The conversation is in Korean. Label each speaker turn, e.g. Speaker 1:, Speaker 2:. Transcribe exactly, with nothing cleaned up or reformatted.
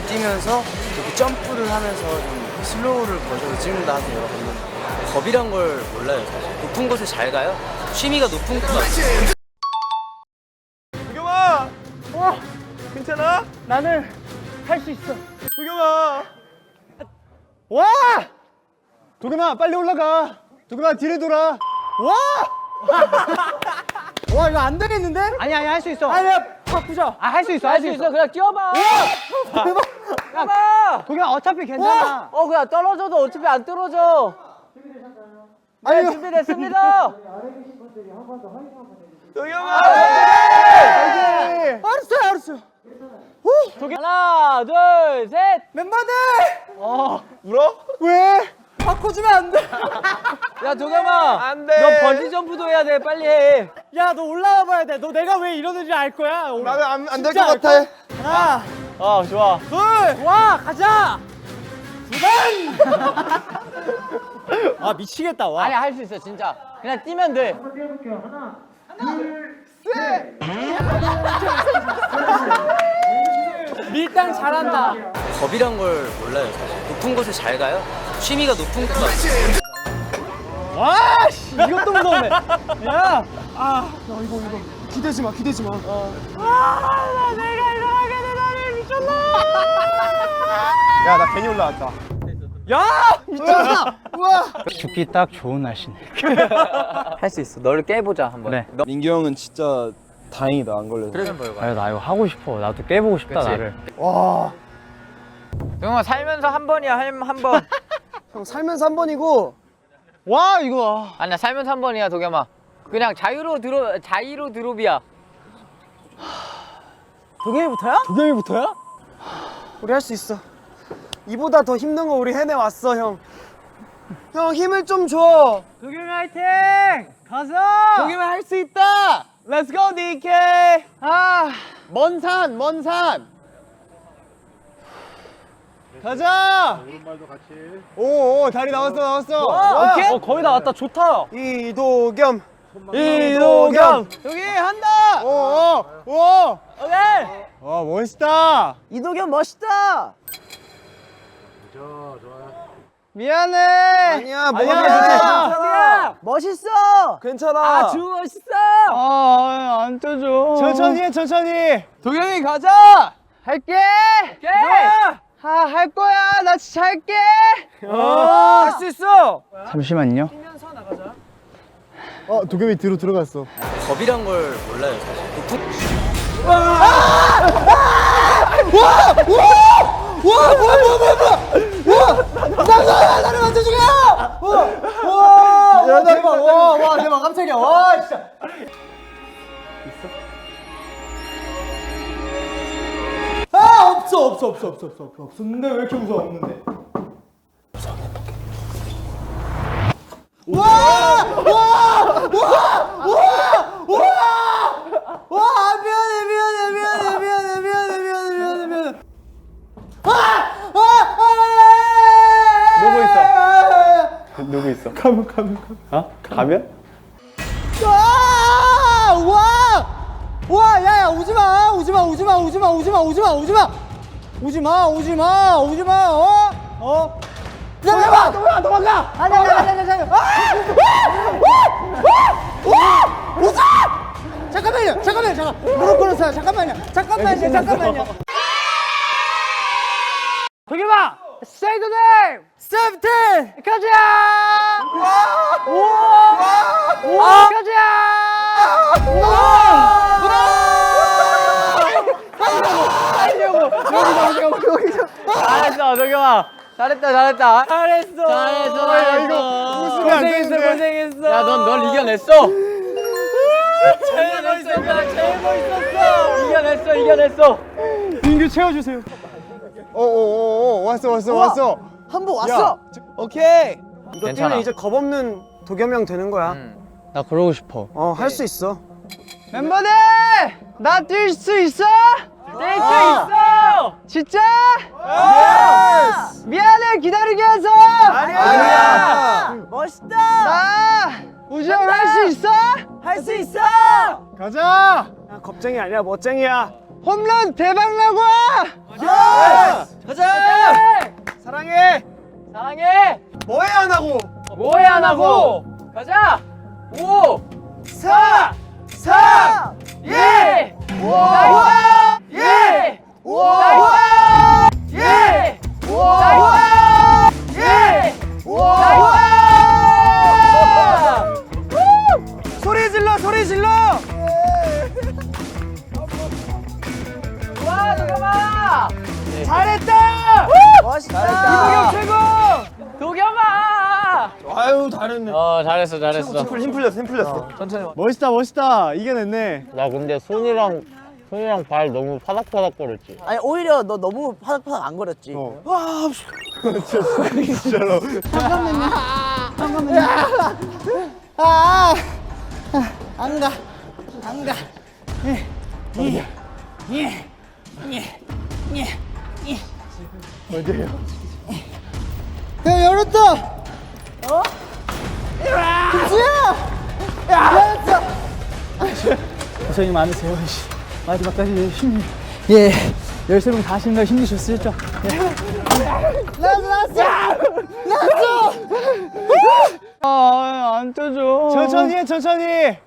Speaker 1: 잘 뛰면서 이렇게 점프를 하면서 좀 슬로우를 거셔서 찍는다 하세요. 여러분들 겁이란 걸 몰라요. 사실 높은 곳에 잘 가요. 취미가 높은 곳 같아요.
Speaker 2: 도겸아! 와! 괜찮아?
Speaker 3: 나는 할 수 있어.
Speaker 2: 도겸아!
Speaker 3: 와! 도겸아 빨리 올라가. 도겸아 뒤를 돌아. 와! 와 이거 안 되겠는데? 아니 아니 할 수 있어. 아니야 바꾸자. 아 할 수 있어 할 수 있어.
Speaker 4: 그냥 뛰어봐.
Speaker 3: 대박.
Speaker 4: 뛰어봐.
Speaker 3: 도겸아 어차피 괜찮아.
Speaker 4: 어 그냥 떨어져도 어차피 안 떨어져. 네,
Speaker 3: 아니
Speaker 4: 준비됐습니다.
Speaker 2: 도겸아!
Speaker 3: 알았어 알았어.
Speaker 4: 하나, 둘, 셋.
Speaker 3: 멤버들.
Speaker 2: 울어?
Speaker 3: 왜? 바꿔주면 안 돼.
Speaker 4: 야 도겸아.
Speaker 2: 안 돼.
Speaker 4: 너 번지 점프도 해야 돼. 빨리 해.
Speaker 3: 야 너 올라와 봐야 돼. 너 내가 왜 이러는지 알 거야.
Speaker 2: 나는 안, 안 될
Speaker 3: 진짜
Speaker 2: 것
Speaker 3: 알
Speaker 2: 같아.
Speaker 3: 하나,
Speaker 4: 어 좋아.
Speaker 3: 둘, 와 가자. 두 번. 아 미치겠다 와.
Speaker 4: 아니 할 수 있어 진짜. 그냥 뛰면 돼.
Speaker 3: 밀당 잘한다.
Speaker 1: 겁이란 걸 몰라요. 사실 높은 곳에 잘 가요. 취미가 높은 곳 같아요.
Speaker 3: 와 씨, 이것도 무서우네. 야.
Speaker 2: 기대지 마, 기대지 마.
Speaker 3: 아, 나 내가 이거 하게 되다니 미쳤나?
Speaker 2: 야, 나 괜히 올라왔다.
Speaker 3: 야 미쳤나?
Speaker 2: 우와!
Speaker 3: 죽기 딱 좋은 날씨네.
Speaker 4: 할 수 있어. 너를 깨보자 한번.
Speaker 3: 네.
Speaker 2: 민규 형은 진짜 다행이다, 안 걸려서.
Speaker 4: 그래서 뭘
Speaker 3: 아, 나 이거 하고 싶어. 나도 깨보고 싶다
Speaker 4: 그치?
Speaker 3: 나를.
Speaker 2: 와,
Speaker 4: 동영아 살면서 한 번이야 한, 한 번.
Speaker 2: 형 살면서 한 번이고.
Speaker 3: 와 이거.
Speaker 4: 아니야 살면서 한 번이야 도겸아. 그냥 자유로 드로 자유로 드롭이야.
Speaker 3: 도겸이부터야? 도겸이부터야?
Speaker 2: 우리 할 수 있어. 이보다 더 힘든 거 우리 해내왔어, 형. 형, 힘을 좀 줘.
Speaker 3: 도겸이 화이팅! 가자!
Speaker 2: 도겸이 할 수 있다!
Speaker 3: Let's go 디케이! 아, 먼 산, 먼 산. 가자! 오른발도 같이. 오, 오, 다리 나왔어, 나왔어.
Speaker 4: 와,
Speaker 3: 오케이?
Speaker 4: 어, 거의 다 왔다. 좋다.
Speaker 2: 이도겸.
Speaker 3: 이도겸! 여기 한다! 오, 오, 오!
Speaker 4: 오케이.
Speaker 3: 와, 멋있다!
Speaker 4: 이도겸 멋있다.
Speaker 3: 미안해!
Speaker 2: 아니야, 뭐
Speaker 3: 아니야,
Speaker 2: 괜찮아.
Speaker 4: 멋있어.
Speaker 2: 괜찮아.
Speaker 4: 아주 멋있어.
Speaker 3: 아, 안 떠줘. 천천히 해, 천천히.
Speaker 4: 도겸이 가자.
Speaker 3: 할게!
Speaker 4: 오케이.
Speaker 3: 아, 할 거야. 나 진짜 할게.
Speaker 4: 할 수 있어.
Speaker 3: 잠시만요. 어, 도겸이 뒤로 들어갔어.
Speaker 1: 겁이란 걸 몰라요. 사실 높은
Speaker 3: 야, 대박. 와, 와, 대박. 깜짝이야. 와, 진짜. 있어? 아, 없어, 없어, 없어, 없어, 없어, 없어. 없었는데 왜 이렇게 무서워? 없는데. 와! 와! 와! 와! 와! 와! 미안해, 미안해, 미안해, 미안해, 미안해, 미안해, 미안해, 미안해. 아! 아! 아! 누구 있어? 누구 있어? 가면, 가면, 가면. 어? 가면? 와! 와! 와! 야, 야, 오지 마! 오지 마! 오지 마! 오지 마! 오지 마! 오지 마! 오지 마! 오지 마! 오지 마! 오지 마! 어? 어? 도망가! 도망가! 도망가! 아니, 아니, 아니, 아니, 아니. 아! 와! 와! 오지 마! 잠깐만요! 잠깐만요! 잠깐! 무릎 꿇었어요! 잠깐만요! 잠깐만요! 잠깐만요! 도겸아! Say the name! 세븐틴! 가자! 와! 우와! 우와! 가자! 우와!
Speaker 4: 잘했어 도겸아. 잘했다 잘했다.
Speaker 3: 잘했어!
Speaker 4: 잘했어.
Speaker 3: 야, 이거 웃으면 안
Speaker 4: 고생했어
Speaker 3: 되는데.
Speaker 4: 고생했어. 야 넌 널 이겨냈어. 제일 멋있었어. 제일 멋있었어. 이겨냈어 이겨냈어.
Speaker 3: 민규 채워주세요. 어어어어 왔어 왔어 왔어.
Speaker 2: 한 번 왔어. 오케이. 이거
Speaker 4: 괜찮아.
Speaker 2: 뛰면 이제 겁 없는 도겸이 형 되는 거야.
Speaker 3: 나 그러고 싶어.
Speaker 2: 어, 할 수 있어.
Speaker 3: 멤버들! 나 뛸 수 있어?
Speaker 4: 뛸 수 있어.
Speaker 3: 진짜? 미안해 기다리게 해서.
Speaker 2: 아니야.
Speaker 4: 멋있다.
Speaker 3: 나 우정 할 수 있어?
Speaker 4: 할 수 있어.
Speaker 3: 가자.
Speaker 2: 야, 겁쟁이 아니야, 멋쟁이야. 홈런 대박 나고!
Speaker 1: 가자!
Speaker 2: 사랑해!
Speaker 4: 사랑해.
Speaker 2: 뭐해 안 하고?
Speaker 4: 뭐해 안 하고. 가자. 오.
Speaker 2: 사! 사!
Speaker 4: 예.
Speaker 2: 와!
Speaker 4: 예.
Speaker 2: 와!
Speaker 4: 예.
Speaker 2: 와!
Speaker 4: 예.
Speaker 2: 와! 소리 질러 소리 질러!
Speaker 4: 와, 도겸아.
Speaker 2: 잘했다!
Speaker 3: 멋있다.
Speaker 2: 이보경 최고!
Speaker 4: 도겸아.
Speaker 2: 아유 잘했네.
Speaker 4: 어, 잘했어, 잘했어.
Speaker 2: 힘 풀렸어 힘 풀렸어.
Speaker 4: 천천히.
Speaker 2: 멋있다 멋있다 이겨냈네.
Speaker 5: 나 근데 손이랑 손이랑 발 너무 파닥파닥 거렸지.
Speaker 3: 아니 오히려 너 너무 파닥파닥 안 거렸지.
Speaker 2: 진짜로.
Speaker 3: 아, 안 가, 안 가.
Speaker 2: 어디에요?
Speaker 3: 야 열었다. 어? 김수야. 열었어.
Speaker 6: 고생이 많으세요. 씨. 마지막까지 힘. 예. 열세 명 다 하시는 거 힘드셨죠?
Speaker 3: 나왔어, 나왔어. 나왔어.
Speaker 6: 아, 안 떠줘.
Speaker 2: 천천히 해 천천히.